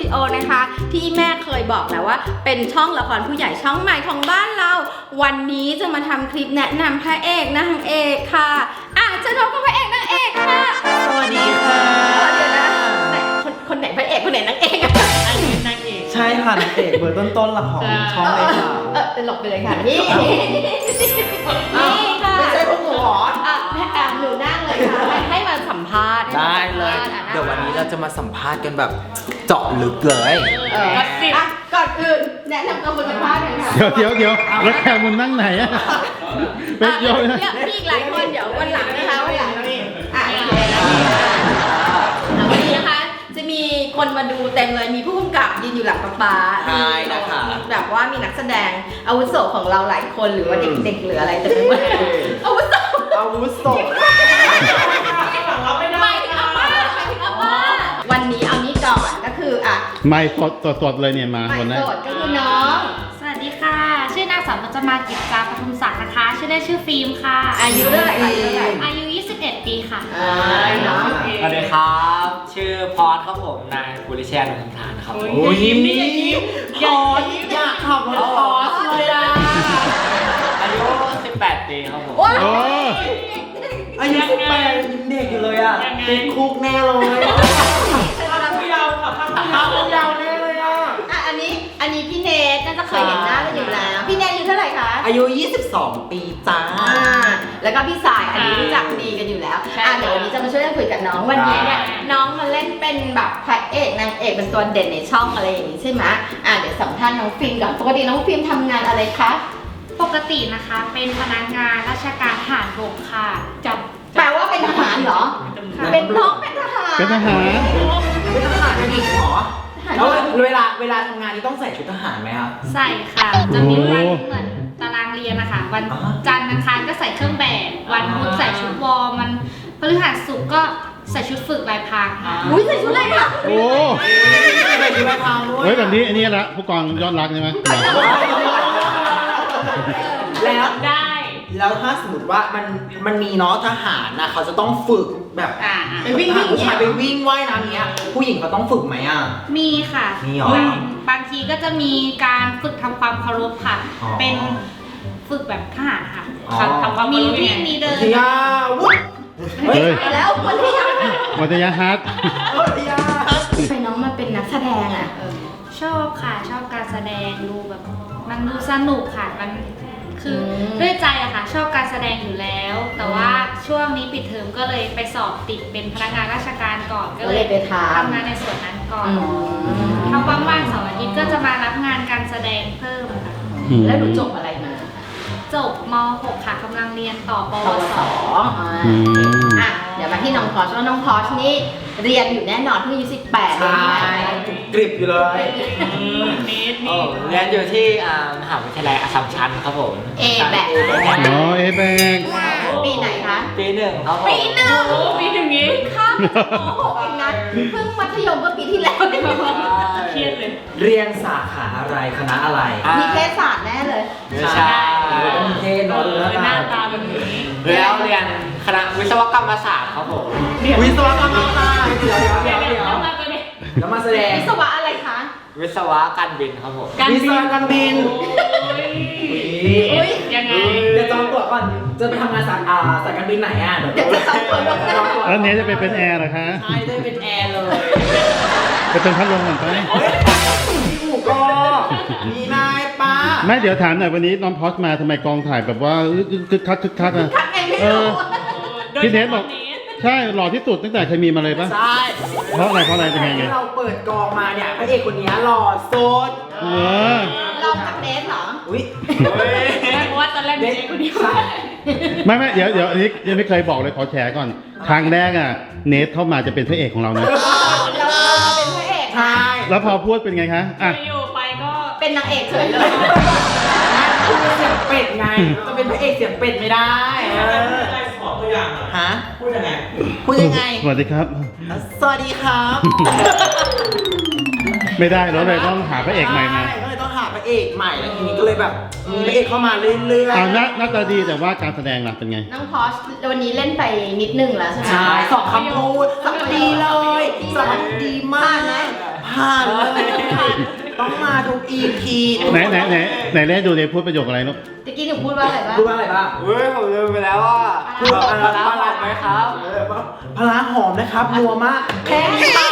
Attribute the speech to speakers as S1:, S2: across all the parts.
S1: ดิโอนะคะที่แม่เคยบอกแล้วว่าเป็นช่องละครผู้ใหญ่ช่องใหม่ของบ้านเราวันนี้จะมาทำคลิปแนะนำพระเอกนางเอกค่ะจะพบกับพระเอกนางเอกค่ะ
S2: สวัสดีค่ะ
S1: เดี๋ยวนะคนไหนพระเอกคนไหนนางเอกอะ
S2: อันนี้นางเอกใช่ค่ะนางเอกเบอร์ต้นๆละของช่องเลยค่ะ
S1: หลบไปเลยค่ะนี่ค่ะ
S2: ไม่ใช่พวกหนูหรอ
S1: หนูนั่งเลยค่ะให้มาสัมภาษณ์
S2: ได้เลยเดี๋ยววันนี้เราจะมาสัมภาษณ์กันแบบเจาะลึกเลย
S1: ก่อนอื่นแนะนำตัวคนสัมภาษณ์หน่อยค่ะ
S3: เดี๋ยวแล้วแขกมันนั่งไหนอะเป็นโยนนะ
S1: พี่อีกหลายคนเดี๋ยววันหลังนะคะวันหลังนี่วันนี้นะคะจะมีคนมาดูเต็มเลยมีผู้กำกับยืนอยู่หลังป๊า
S2: ใช่นะคะ
S1: แบบว่ามีนักแสดงอาวุโสของเราหลายคนหรือว่าเด็กๆหรืออะไรแต่ไม่ว่าอาวุโสไม่ถึงอาม่าวันนี้เอานี้ก่อนก็คือ
S3: ไม่สดเลยเนี่ยมาวันนั้น
S1: สดก็คือน้อง
S4: สวัสดีค่ะชื่อนางสาวพจมากิจจาปทุมศักดิ์นะคะชื่อได้ชื่อฟิล์มค่ะ
S1: อายุเท่าไหร่
S4: อายุ21 ปีค่ะ
S2: สวัสดีครับชื่อพอดครับผมนายบุริเชษฐ์นนทานครับโอ้ยยิ้มพอดอยากขับรถพอดเลยอายุ18 ปีครับผมอายุ18ยิ้มเด็กอยู่เลยติดคุกแน่เลยผู้เยาว์ค่ะผู้เยาว์แน่เลย
S1: อันนี้พี่เนทน่าจะเคยเห็นหน้ากันอยู่แล้วพี่เนทอายุเท่าไหร่คะ
S2: อายุ22 ปีจ้า
S1: แล้วก็พี่สายอันนี้รู้จักดีกันอยู่แล้วเดี๋ยววันนี้จะมาช่วยกันคุยกับน้องวันนี้เนี่ยน้องมาเล่นเป็นแบบพระเอกนางเอกเป็นตัวเด่นในช่องอะไรอย่างนี้ใช่ไหมเดี๋ยวสัมภาษณ์น้องฟิล์มก่อนปกติน้องฟิล์มทำงานอะไรคะ
S4: ปกตินะคะเป็นพนักงานราชการทหารบกค่ะ
S1: แปลว่าเป็นทหารเหรอเป็นน้องเป็นทหาร
S3: เป็นทหาร
S2: เป็นอีกเหรอแล้วเวลาทำงานนี่ต้องใส่ชุดทหารไหมครับ
S4: ใส่ค่ะจะมีวันเหมือนตารางเรียนนะคะวันจันทร์อังคารก็ใส่เครื่องแบบวันพุธใส่ชุดวอร์มันพฤหัสศุกร์ก็ใส่ชุดฝึกลายพรางค่ะ
S1: ใส่ชุดลายพราง
S3: โอ้
S2: ใส่ชุดลายพรางด้วย
S3: เฮ้ยแบบนี้อันนี้ละผู้กองยอดรักใช่ไหม
S2: แล้วได้แล้วถ้าสมมติว่ามันมีเนาะทหารนะเขาจะต้องฝึกแบบ
S1: ไปวิ่ง
S2: ผู้ชายไปวิ่งว่ายน้ำเนี้ยผู้หญิงเขาต้องฝึกไหม
S4: มีค่ะ
S2: มีหร
S4: อบางทีก็จะมีการฝึกทำความเคารพค่ะเป็นฝึกแบบทหารค่ะทำความมีวิ่งมีเดิน
S2: วุ้ย
S1: แล้ววันที่
S3: วัตยาฮัท
S1: ไปน้องมาเป็นนักแสดง
S4: ชอบค่ะชอบการแสดงดูแบบมันดูสนุกค่ะมันคือด้วยใจอะค่ะชอบการแสดงอยู่แล้วแต่ว่าช่วงนี้ปิดเทอมก็เลยไปสอบติดเป็นพนักงานราชการก่อนก็เลย
S1: ไป
S4: ทำงานในส่วนนั้นก่อนถ้าว่างๆเสาร์อาทิตย์ก็จะมารับงานการแสดงเพิ่มค่ะ
S1: แล้วหนูจบอะไรมา
S4: จบม.6 ค่ะกำลังเรียนต่อปวส.
S1: เดี๋ยวมาที่น้องพอชว่าน้องพอชนี่เรียนอยู่แน่นอนเพิ่งอายุ18
S2: เลยกริบอยู่เลยเรียนอยู่ที่มหาวิทยาลัยอัสสัมชัญครับผม
S1: แบบปีไหนคะ
S2: ปี 1ครับผม
S1: ปี 1นี้ข้ามเองนะเพิ่งมัธยมเมื่อปีที่แล้ว
S4: เครียดเลย
S2: เรียนสาขาอะไรคณะอะไร
S1: มีเทศศาสตร์แน่เลย
S2: ใช่มีเทศ
S4: หน้าตาแบบนี้
S2: แล้วเรียนคณะวิศวกรรมศาสตร์ครับผมวิศวกรรมศาสตร์เดี๋ยวแล้วมาแสดง
S1: วิศวะอะไรคะ
S2: วิศวะการบินครับผม
S1: วิศวะการบิน
S4: ยังไง
S2: จะจองตั๋วก่อนจะไปทำงานสายการบินไหน
S1: เดี๋ยวจะจองตั๋วลง
S3: แล้วเนี้ยจะเป็นแอร์เหรอคะ
S2: ใช่ได้เป็นแอร์เลย
S3: จะเป็นพัดลมเหมือนกัน
S2: พี่อู๋ก็มีนายป้า
S3: ไม่เดี๋ยวถามหน่อยวันนี้น้องพอสมาทำไมกองถ่ายแบบว่าคึกคักพี่เนทบอกใช่หล่อที่สุดตั้งแต่เคยมีมาเลยปะ
S2: ใช่
S3: เพราะอะไรเป็นไง
S2: เราเปิดกองมาเนี่ยพระเอกคนนี้หล่อสุด
S1: ลองกับเนทเหรอ
S2: อุ้ย
S4: เพราะว่าตอนแรกเนทคนเดียว
S3: ไม่เดี๋ยวอันนี้ยังไม่เคยบอกเลยขอแชร์ก่อนครั้งแรกเนทเข้ามาจะเป็นพระเอกของเรานะ
S1: เราเป็นพระเอก
S2: ใช่
S3: แล้วพอพูดเป็นไงคะ
S4: อยู่ไปก็
S1: เป็นนางเอกเฉยเลย
S2: เสียงเป็ดไงจะเป็นพระเอกเสียงเป็ดไม่ได้ขอตัวอย่างฮะพูดยังไง
S3: สวัสดีครับ
S2: สวัสดีครับ
S3: ไม่ได้แล้วเลยต้องหาพระเอกใหม่มา
S2: ก็เลยต้องหาพระเอกใหม่แล้วทีนี้ก็เลยแบบมีพระเอกเข้ามาเรื่อย
S3: ๆหน้าตาดีแต่ว่าการแสดงล่ะเป็นไง
S1: น้องพอชวันนี้เล่นไปนิดนึงแล้วใช่ไหม
S2: ใช่2 คำพูดสักดีเลยสอนดีมากนะผ
S5: ผ่านเลยต้องมาทุก EP
S3: ไหนเล่นดูเลยพูดประโยคอะไรลูก
S1: ตะกี้หนูพูดว่าอะไรบ้าง
S5: พูดว่าอะไรบ้าง
S2: เฮ้ยผมลืมไปแล้วว่า
S5: พูดว่าอะไร
S2: ปลาร้าไหมครับ
S5: พลาหอมนะครับนัวมากแค่นี้ผ่าน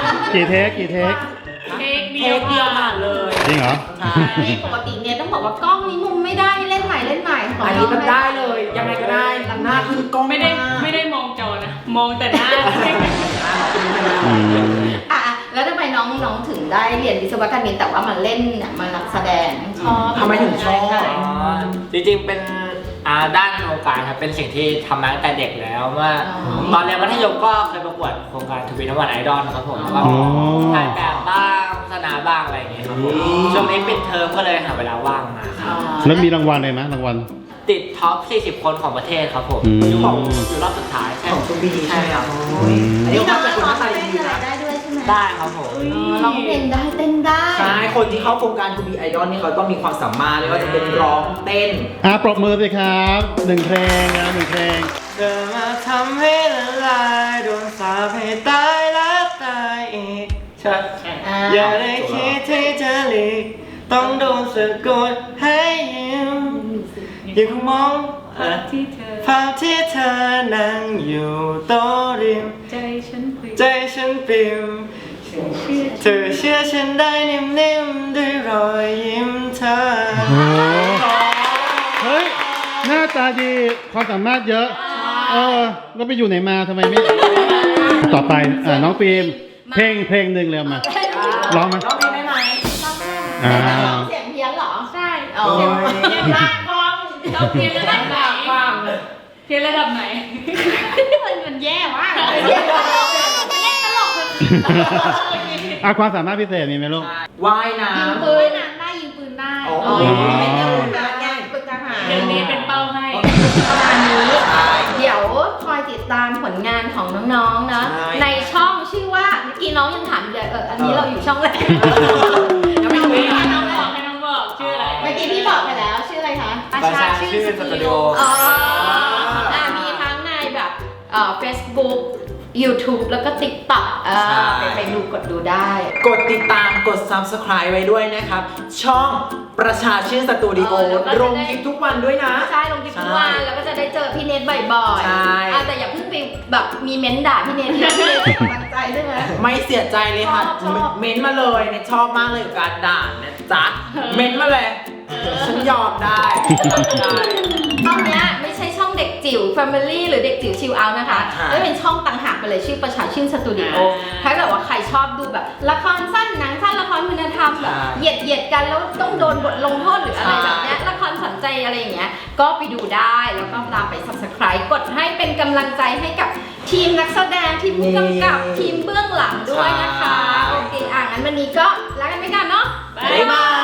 S3: กี่เทค
S4: เค้ก
S5: เทคเดียวผ่านเลย
S3: จริงเหรอ
S5: ใช่
S1: นี่ปกติเนี่ยต้องบอกว่ากล้องนี้มุมไม่ได้เล่นใหม่ของ
S5: อันนี้มันได้เลยยังไงก็ได้หน้าคือกล้อง
S6: ไม่ได้มองจอนะ มองแต่หน้า
S3: อืม
S1: อ่ะแล้วทำไมน้องถึงได้เรียนวิศวกรรมแต่ว่ามาเล่นมานักแสดงชอบ
S5: ทำไมถึงชอบ
S2: จริงๆเป็นด้านโครงการครับเป็นสิ่งที่ทำมาตั้งแต่เด็กแล้วว่าตอนเรียนมัธยมก็เคยประกวดโครงการทวีนวันไอดอลครับผมแล้วก็ถ่ายแบบบ้างโฆษณาบ้างอะไรอย่างเงี้ยครับผมช่วงนี้ปิดเทอมก็เลยหาเวลาว่างมาครับ
S3: แล้วมีรางวัลเลยไหมรางวัล
S2: ติดท็อป 40 คนของประเทศครับผม
S3: อืม
S2: อยู่รอบสุดท้ายใช่
S5: ของคุณบีใช่ไหมครับ
S3: อืม
S5: อันนี้
S1: นี่
S5: ก็
S1: น้อง
S5: เป็นคน
S1: ร้
S5: ห
S1: อ
S5: น้าง ตา
S1: เล่
S5: ดี
S1: นอะไร
S5: นะ
S1: ได้ด้วยใช่ไหม
S2: ได้ครับผม
S1: ร้องเพลงได้เต้นได้
S5: ใช่คนที่เข้าโครงการทูบีไอดอลนี่เขาต้องมีความสามารถไม่ว่าจะเป็นร้องเต้น
S3: ปรบมือสิครับ1เพลงนะ1เพลง
S2: เธอมาทำให้ละลายโดนสาปให้ตายแล้วตายอีกใช่ อย่าได้คิดที่จะหลีกต้องโดนสะกดให้ยิ้มยังคงมอง
S6: ที่เธอ
S2: ภาพที่เธอนั่งอยู่โต๊ะริม
S6: ใจฉันปลิว
S2: ใจฉันปิวเธอเชื่อฉันได้นิ่มๆด้วยรอยยิ้มเธอ
S3: โอ้โหเฮ้ย หน้าตาดี ความสามารถเยอะ แล้วไปอยู่ไหนมาทำไมไม่ ต่อไปน้องฟิล์มเพลงหนึ่งเลยมา ร้องไหม
S5: ร้องเพลงได้ไหม
S1: เสียงเพี้ยนเหรอ
S6: ใช่
S1: อ๋อ
S6: เพียนลากฟังเราเพียนระดับไหนเพียนระดับไหน มันแย่มาก
S1: เพี้ยนตลกเล่นตลก
S3: ความสามารถพิเศษมีไหมลูก
S5: ว่ายน้
S1: ยิง
S5: ำ
S1: ปืน
S4: น้ำได้ยิงปืนได้
S5: อ๋อ
S1: อ๋อเป็นเรื่องการแย่งปืนทหาร
S6: เดี๋ยวนี้เป็นเป้าให้
S1: ประมาณนี้ เดี๋ยวคอยติดตามผลงานของน้องๆนะ ในช่องชื่อว่าเมื่อกี้น้องยังถามอยู่เลยอันนี้เราอยู่ช่องอะไร
S6: ยังไม่รู้ให้น้องบอกชื่ออะไร
S1: เมื่อกี้พี่บอกไปแล้วชื่ออะไรคะ
S2: ประชาชื่อสตูดิโอ
S1: อ๋อมีทั้งในแบบFacebook YouTube แล้วก็ TikTok ไปดูกดดูได้
S5: กดติดตามกด Subscribe ไว้ด้วยนะครับ ช่องประชาชื่นสตูดิโอ
S1: แล้วก็จะได้
S5: ลงคลิปทุกวันด้วยนะ
S1: ใช่ลงคลิปทุกวันแล้วก็จะได้เจอพี่เนทบ่อยๆ
S5: ใช่
S1: แต่อย่าเพิ่งไปแบบมีเม้นด่าพี่เนทนะพี่เนทเป็นกำลังใจใช่ไหม
S5: ไม่เสียใจเลยค่ะ
S1: ชอบ
S5: เม้นต์มาเลยเนี่ยชอบมากเลยกับการด่านะจ๊ะ เม้นต์มาเลย ฉันยอมได้ได้
S1: ช่องเนี้ยไม่ใช่ช่องเด็กจิ๋ว Family หรือเด็กจิ๋วชิลเอานะคะ
S5: ใช่
S1: ไม่เป็นช่องต่างหากไปเลยชื่อประชาชื่นสตูดิโอถ้าเกิดว่าใครชอบดูแบบละครสั้นหนังสั้นละครคุณธรรมแบบเหยียดกันแล้วต้องโดนบทลงโทษหรืออะไรแบบเนี้ยละครสนใจอะไรอย่างเงี้ยก็ไปดูได้แล้วก็ตามไป Subscribe กดให้เป็นกำลังใจให้กับทีมนักแสดงทีมผู้กำกับทีมเบื้องหลังด้วยนะคะโอเคงั้นวันนี้ก็ลากันไปกันเนาะ
S5: บ๊ายบาย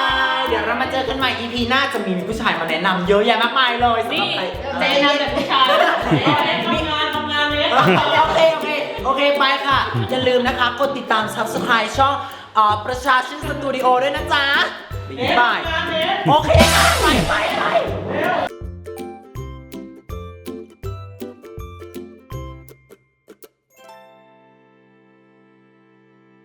S5: เดี๋ยวเรามาเจอกันใหม่ EP หน้าจะมีผู้ชายมาแนะนำเยอะแยะมากมายเลยสำหรับใคร
S6: ใจนำแบบผู้ชายทำงานเลย
S5: โอเคไปค่ะ อย่าลืมนะคะ กดติดตาม Subscribe ช่องประชาชื่นสตูดิโอด้วยนะจ๊ะบ๊ายบายโอเคค่ะไป